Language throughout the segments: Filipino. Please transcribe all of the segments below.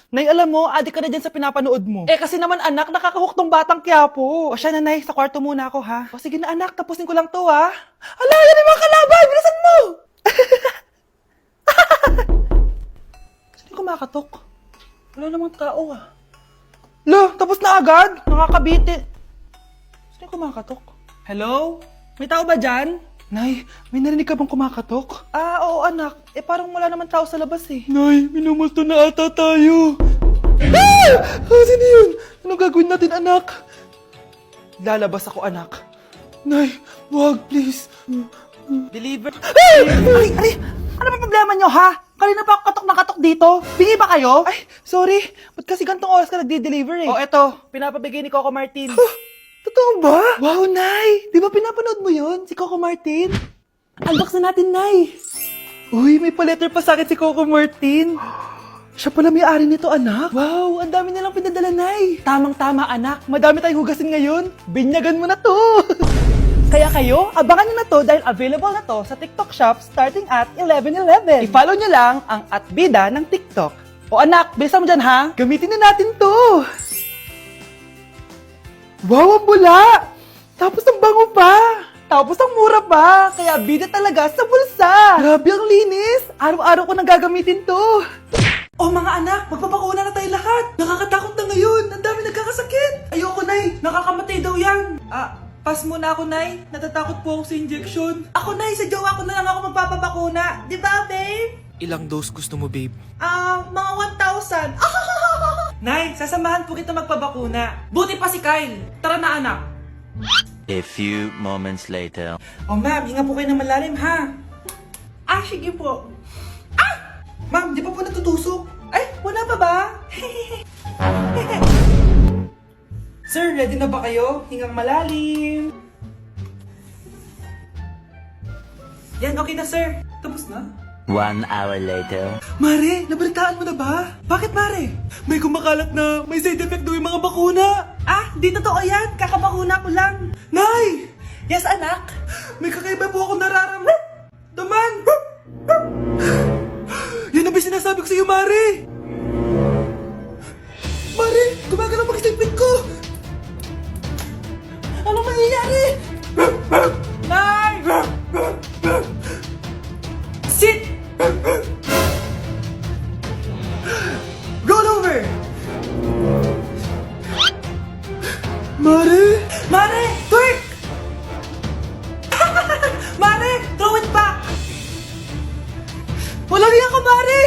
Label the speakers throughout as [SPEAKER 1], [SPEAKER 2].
[SPEAKER 1] Nay, alam mo, adik ka na dyan sa pinapanood mo. Kasi naman anak, nakakahook tong batang Quiapo. O siya na, Nay, sa kwarto muna ako ha. O sige na anak, tapusin ko lang to ha. Ala, yan yung mga kalaban, bilisan mo! Sino kumakatok? Wala namang tao ah. Lo, tapos na agad? Nakakabiti. Sino kumakatok? Hello? May tao ba dyan? Nay, may narinig ka bang kumakatok? Oo anak. Parang wala naman tao sa labas eh. Nay, minumulto na ata tayo. Sino yun? Ano gagawin natin anak? Lalabas ako anak. Nay, wag please. Deliver. Ay! Ano ba problema nyo ha? Kanina pa ako katok na katok dito. Bingi ba kayo? Ay, sorry. Ba't kasi gantong oras ka nagde-deliver eh? Eto. Pinapabigay ni Coco Martin. Totoo ba? Wow, Nay! Di ba pinapanood mo yun? Si Coco Martin? Unbox na natin, Nay! Uy, may pa-letter pa sa akin si Coco Martin. Siya pala may-ari nito, anak. Wow, ang dami nilang pinadala, Nay. Tamang-tama, anak. Madami tayong hugasin ngayon. Binyagan mo na to. Kaya kayo, abangan nyo na to dahil available na to sa TikTok Shop starting at 11/11. I-follow nyo lang ang @bida ng TikTok. O anak, bilisan mo dyan ha. Gamitin na natin to. Wow, ang bula! Tapos ang bango pa! Tapos ang mura pa! Kaya bida talaga sa bulsa! Grabe ang linis! Araw-araw ko nang gagamitin to! Oh mga anak, magpapakuna na tayo lahat! Nakakatakot na ngayon! Ang dami nagkakasakit! Ayoko, Nay! Nakakamatay daw yan! Pass muna ako, Nay. Natatakot po ako sa injection. Ako, Nay, sa jowa ko na lang ako magpapabakuna. Di ba, babe?
[SPEAKER 2] Ilang dose gusto mo, babe?
[SPEAKER 1] Mga 1,000. Nay, sasamahan po kita magpabakuna. Buti pa si Kyle. Tara na, anak.
[SPEAKER 3] A few moments later.
[SPEAKER 1] Oh, ma'am, hinga po kayo ng malalim, ha? Sige po. Ma'am, di pa po natutusok? Ay, wala pa ba? Sir, ready na ba kayo? Hingang malalim. Yan, okay na, sir. Tapos na?
[SPEAKER 3] 1 hour later.
[SPEAKER 1] Mare, nabalitaan mo na ba? Bakit, Mare? May kumakalat na may side effect daw yung mga bakuna. Di totoo yan. Kakabakuna ko lang. Nay! Yes, anak? May kakaiba po ako nararamdaman. Yan ang ba sinasabi ko sa iyo, Mare? Mare, gumagalaw ang isipin ko. Anong mangyayari? Nay! Sit! Roll over! Mare! Mare! Twerk! Mare! Throw it back! Walang iya ka, Mare!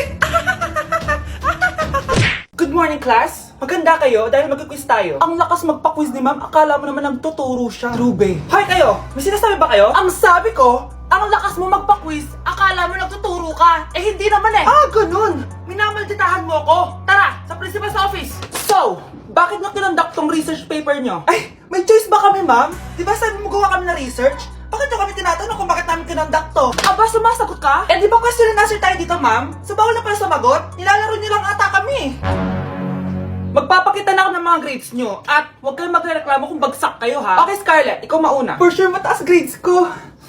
[SPEAKER 1] Good morning, class! Maganda kayo dahil mag-quiz tayo. Ang lakas magpa-quiz ni ma'am, akala mo naman nagtuturo siya. True, babe. Hoy kayo! May sinasabi ba kayo? Ang sabi ko, ang lakas mo magpa-quiz, akala mo nagtuturo ka. Hindi naman eh. Ganun. Minamalditahan mo ako. Tara, sa principal's office. So, bakit nyo kinonduct tong research paper nyo? May choice ba kami, ma'am? Di ba sabi mo gawa kami na research? Bakit nyo kami tinatanong kung bakit namin kinonduct to? Sumasagot ka? Di ba question and answer tayo dito, ma'am? So, bawal na pala sumagot? Nilalaro nyo lang ata kami. Magpapakita na ako ng mga grades nyo at huwag kayong magreklamo kung bagsak kayo, ha? Okay, Scarlett, ikaw mauna. For sure, mataas grades ko.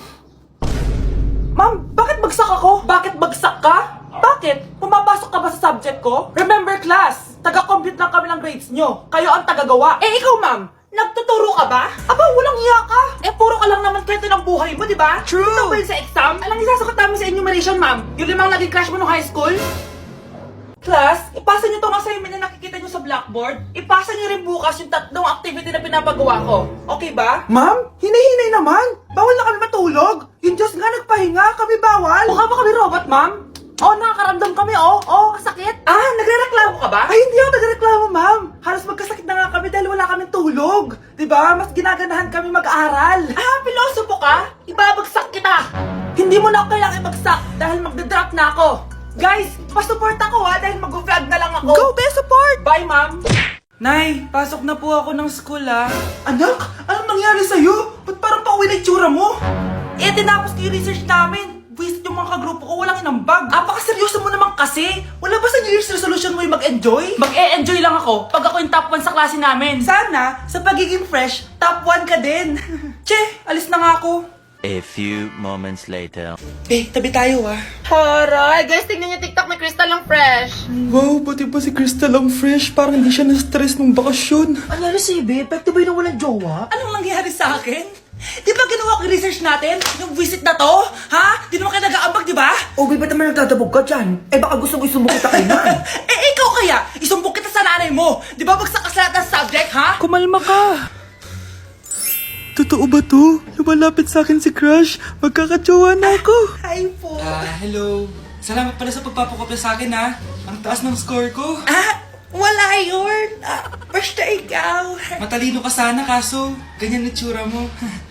[SPEAKER 1] Ma'am, bakit bagsak ako? Bakit bagsak ka? Bakit? Pumapasok ka ba sa subject ko? Remember class, taga-compute lang kami ng grades nyo. Kayo ang tagagawa. Ikaw ma'am, nagtuturo ka ba? Walang iya ka. Puro ka lang naman kwento ng buhay mo, di ba? True. Ito ba yun sa exam? Alang isasagot namin sa enumeration, ma'am. Yung 5 naging crush mo nung high school? Class, ipasa nyo itong assignment na nakikita nyo sa blackboard. Ipasa nyo rin bukas yung 3 activity na pinapagawa ko. Okay ba? Ma'am, hinay-hinay naman. Bawal na kami matulog. Yung Diyos nga nagpahinga, kami bawal. Mukha ba kami robot, ma'am? Nakakaramdam kami, kasakit. Nagrereklamo ka ba? Hindi ako nagrereklamo, ma'am. Halos magkasakit na nga kami dahil wala kaming tulog. Diba? Mas ginaganahan kami mag-aral. Pilosopo ka? Ibabagsak kita. Hindi mo na ako kailangan ibagsak dahil magdadrop na ako. Guys, pasupport ako dahil mag-vlog na lang ako. Go, be support! Bye, ma'am! Nay, pasok na po ako ng school, Anak, anong nangyari sa'yo? Ba't parang pauwi na itsura mo? Tinapos ko yung research namin. Visit yung mga kagrupo ko, walang inambag. Seryoso mo naman kasi. Wala ba sa New Year's resolution mo yung mag-enjoy? Mag-e-enjoy lang ako pag ako yung top 1 sa klase namin. Sana, sa pagiging fresh, top 1 ka din. Che, alis na nga ako.
[SPEAKER 3] A few moments later.
[SPEAKER 1] Tabi tayo ah.
[SPEAKER 2] Haray! Guys, tignan niyo TikTok ni Crystal ang fresh.
[SPEAKER 1] Wow, pati ba si Crystal ang fresh? Parang hindi siya na-stress nung bakasyon.
[SPEAKER 4] Ano si Ibe? Pwede ba yung walang jowa?
[SPEAKER 1] Anong nangyari sa akin? Di ba ginawa ko yung research natin? Yung visit na to? Ha? Di naman kayo nag-aambag, di ba?
[SPEAKER 4] O, ba't naman nagtatabog ka dyan? Eh, baka gusto mo isumbong kita kay Nan.
[SPEAKER 1] Ikaw kaya? Isumbok kita sa nanay mo. Di ba bagsak ka sa lahat ng subject, ha? Kumalma ka.
[SPEAKER 5] Totoo ba to? Lumalapit sa akin si Crush. Magkakajowa na ako.
[SPEAKER 1] Hi po.
[SPEAKER 5] Hello. Salamat pala sa pagpapakopya sa akin ha. Ang taas ng score ko.
[SPEAKER 1] Wala yun. Basta ikaw.
[SPEAKER 5] Matalino ka sana kaso ganyan na tsura mo.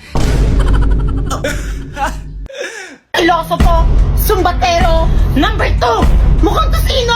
[SPEAKER 2] Ilosofo, Sumbatero, number 2, mukhang tosino!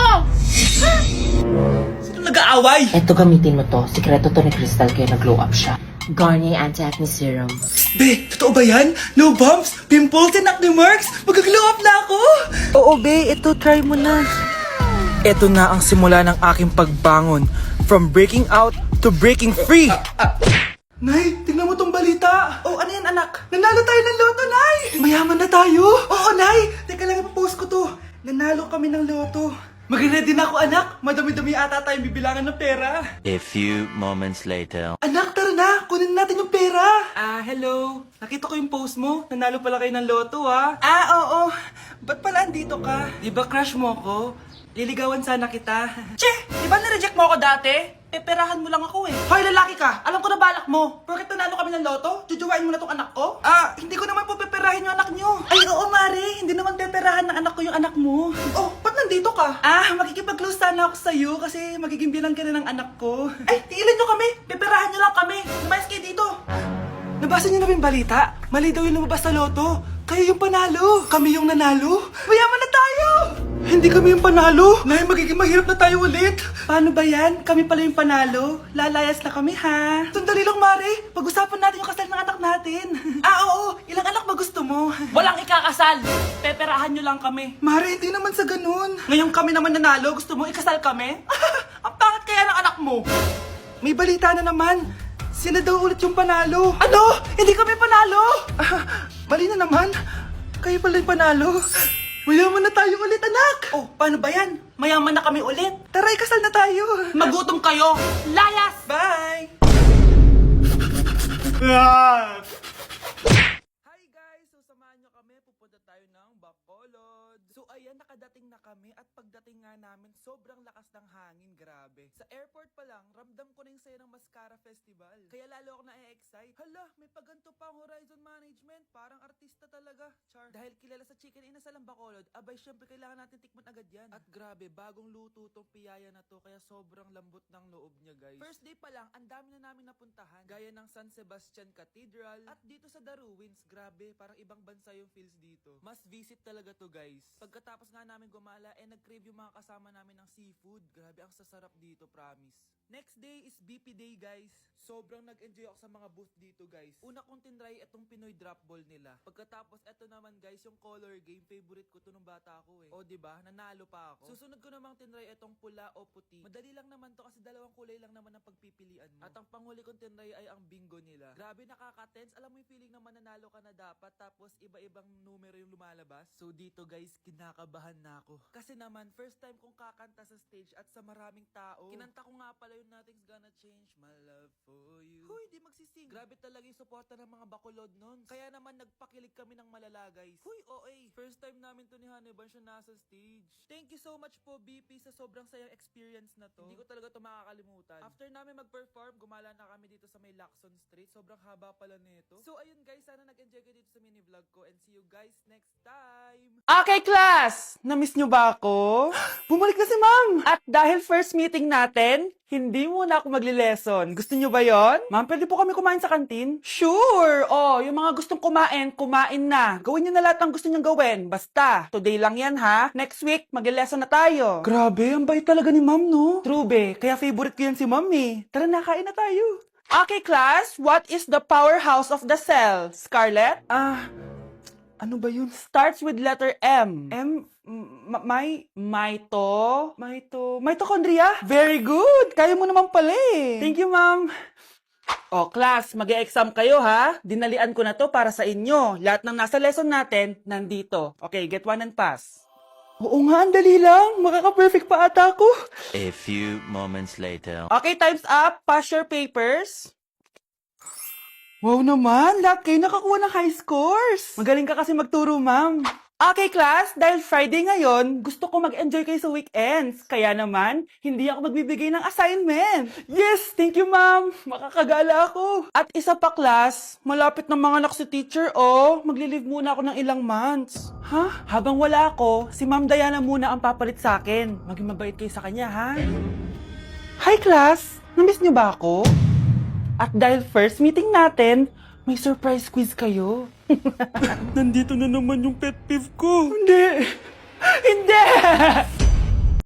[SPEAKER 1] Sino nag-aaway?
[SPEAKER 4] Eto, gamitin mo to. Sikreto to ni Crystal kaya nag-glow up siya. Garnier Anti-Acne Serum.
[SPEAKER 5] Be, totoo ba yan? No bumps, pimples, and acne marks? Mag-glow up na ako!
[SPEAKER 1] Oo, be. Ito, try mo na. Ito na ang simula ng aking pagbangon. From breaking out to breaking free.
[SPEAKER 5] Nay, tingnan mo tong balita.
[SPEAKER 1] Oh, ano yan, anak?
[SPEAKER 5] Nanalo tayo ng loto, Nay! Mayaman na tayo! Oo, Nay! Teka lang, ipapost ko to. Nanalo kami ng loto. Mag-ready na ako, anak. Madami-dami ata tayong bibilangan ng pera.
[SPEAKER 3] A few moments later.
[SPEAKER 5] Anak, tara na! Kunin natin yung pera!
[SPEAKER 1] Hello.
[SPEAKER 5] Nakita ko yung post mo. Nanalo pala kayo ng loto, ha?
[SPEAKER 1] Oo.
[SPEAKER 5] Ba't pala andito ka?
[SPEAKER 1] Di ba crush mo ko? Liligawan sana kita. Che! Di ba nireject mo ako dati? Peperahan mo lang ako eh. Hoy, lalaki ka! Alam ko na balak mo. Porket nanalo kami ng loto, jujuwain mo na tong anak ko?
[SPEAKER 5] Hindi ko naman po peperahin yung anak nyo.
[SPEAKER 1] Ay, oo, Mari. Hindi naman peperahan ng anak ko yung anak mo.
[SPEAKER 5] Oh, ba't nandito ka?
[SPEAKER 1] Makikipag-close sana ako sa'yo kasi magiging bilang ka na ng anak ko. Ay, tiilan nyo kami. Peperahan nyo lang kami. Lumayas kayo dito.
[SPEAKER 5] Nabasa niyo na ba yung balita? Mali daw yung lumabas sa loto. Kayo yung panalo. Kami yung nanalo. Mayaman na tayo! Hindi kami yung panalo. Nay, magiging mahirap na tayo ulit.
[SPEAKER 1] Paano ba yan? Kami pala yung panalo. Lalayas na kami, ha?
[SPEAKER 5] Sandali lang, Mare. Pag-usapan natin yung kasal ng anak natin.
[SPEAKER 1] Oo. Ilang anak ba gusto mo? Walang ikakasal. Peperahan nyo lang kami.
[SPEAKER 5] Mare, hindi naman sa ganun.
[SPEAKER 1] Ngayon kami naman nanalo. Gusto mo ikasal kami? Ang pangit kaya ng anak mo.
[SPEAKER 5] May balita na naman. Sila daw ulit yung panalo.
[SPEAKER 1] Ano? Hindi kami panalo.
[SPEAKER 5] Mali na naman. Kayo pala yung panalo. Mayaman na tayo ulit, anak.
[SPEAKER 1] Oh, paano ba yan? Mayaman na kami ulit.
[SPEAKER 5] Tara, ikasal na tayo.
[SPEAKER 1] Magutom kayo. Layas!
[SPEAKER 5] Bye!
[SPEAKER 1] Hi guys! So samahan nyo kami, pupunta tayo ng Bacolod. So ayan, nakadating na kami at pagdating nga namin, sobrang lakas ng hangin, grabe. Sa airport pa lang, ramdam ko na yung saya ng Mascara Festival. Kaya lalo ako na-excite. Hala, may paganto pa ang Horizon Management. Parang artista talaga. Char. Dahil kilala sa Chicken Inasal ang Bacolod, abay syempre kailangan natin tikman agad yan. At grabe, bagong luto tong piyaya na to, kaya sobrang lambot ng loob niya guys. First day pa lang, ang dami na namin napuntahan. Gaya ng San Sebastian Cathedral at dito sa The Ruins, grabe, parang ibang bansa yung feels dito. Must visit talaga to guys. Pagkatapos nga namin gumala, nag-crave yung mga kasama namin ng seafood. Grabe, ang sasarap dito, promise. Next day is BP Day guys. Sobrang nag-enjoy ako sa mga booth dito guys. Una kong tinry itong Pinoy drop ball nila. Pagkatapos eto naman guys, yung color game, favorite ko to nung bata ako eh. O diba, nanalo pa ako. Susunod ko namang tinry itong pula o puti. Madali lang naman to kasi dalawang kulay lang naman ang pagpipilian mo. At ang panghuli kong tinry ay ang bingo nila. Grabe, nakaka-tense. Alam mo yung feeling na mananalo ka na dapat tapos iba-ibang numero yung lumalabas. So dito guys, kinakabahan na ako. Kasi naman, first time kong kakanta sa stage at sa maraming tao. Kinanta ko nga pala yung Nothing's Gonna Change My Love For You. Huy, di magsising. Grabe talaga yung suporta ng mga Bacolod nun. Kaya naman nagpakilig kami ng malala guys. Huy, OA. First time namin to ni Hannibal siya nasa stage. Thank you so much po BP sa sobrang sayang experience na to. Hindi ko talaga to makakalimutan. After namin mag-perform, gumala na kami dito sa may Lacson Street. Sobrang haba pala nito. So ayun guys, sana nag-enjoy kayo dito sa mini vlog ko and see you guys next time. Okay class! Na-miss nyo ba ako?
[SPEAKER 5] Bumalik na si ma'am.
[SPEAKER 1] At dahil first meeting natin, hindi muna ako magli-lesson. Gusto nyo ba yon? Ma'am, pwede po kami kumain sa kantin? Sure! Oh, yung mga gustong kumain, kumain na. Gawin nyo na lahat ng gusto nyong gawin. Basta, today lang yan ha. Next week, magli-lesson na tayo.
[SPEAKER 5] Grabe, ang bait talaga ni ma'am, no?
[SPEAKER 1] True be, kaya favorite ko yan si ma'am eh. Tara na, kain na tayo. Okay class, what is the powerhouse of the cell? Scarlett?
[SPEAKER 5] Ano ba yun?
[SPEAKER 1] Starts with letter M. Mitochondria? Very good! Kaya mo naman pala eh. Thank you, ma'am. O, class, mag-e-exam kayo ha. Dinalian ko na to para sa inyo. Lahat ng nasa lesson natin, nandito. Okay, get one and pass. Oo nga, ang dali lang. Makaka-perfect pa ata ako.
[SPEAKER 3] A few moments later.
[SPEAKER 1] Okay, time's up. Pass your papers. Wow naman, lahat kayo nakakuha ng high scores. Magaling ka kasi magturo, ma'am. Okay, class, dahil Friday ngayon, gusto ko mag-enjoy kayo sa weekends. Kaya naman, hindi ako magbibigay ng assignment. Yes, thank you, ma'am. Makakagala ako. At isa pa, class, malapit na mga anak si teacher, oh. Magli-leave muna ako ng ilang months. Ha? Habang wala ako, si Ma'am Diana muna ang papalit sa akin. Maging mabait kayo sa kanya, ha? Hi, class. Namiss niyo ba ako? At dahil first meeting natin, may surprise quiz kayo. Nandito na naman yung pet peeve ko. Hindi! Hindi!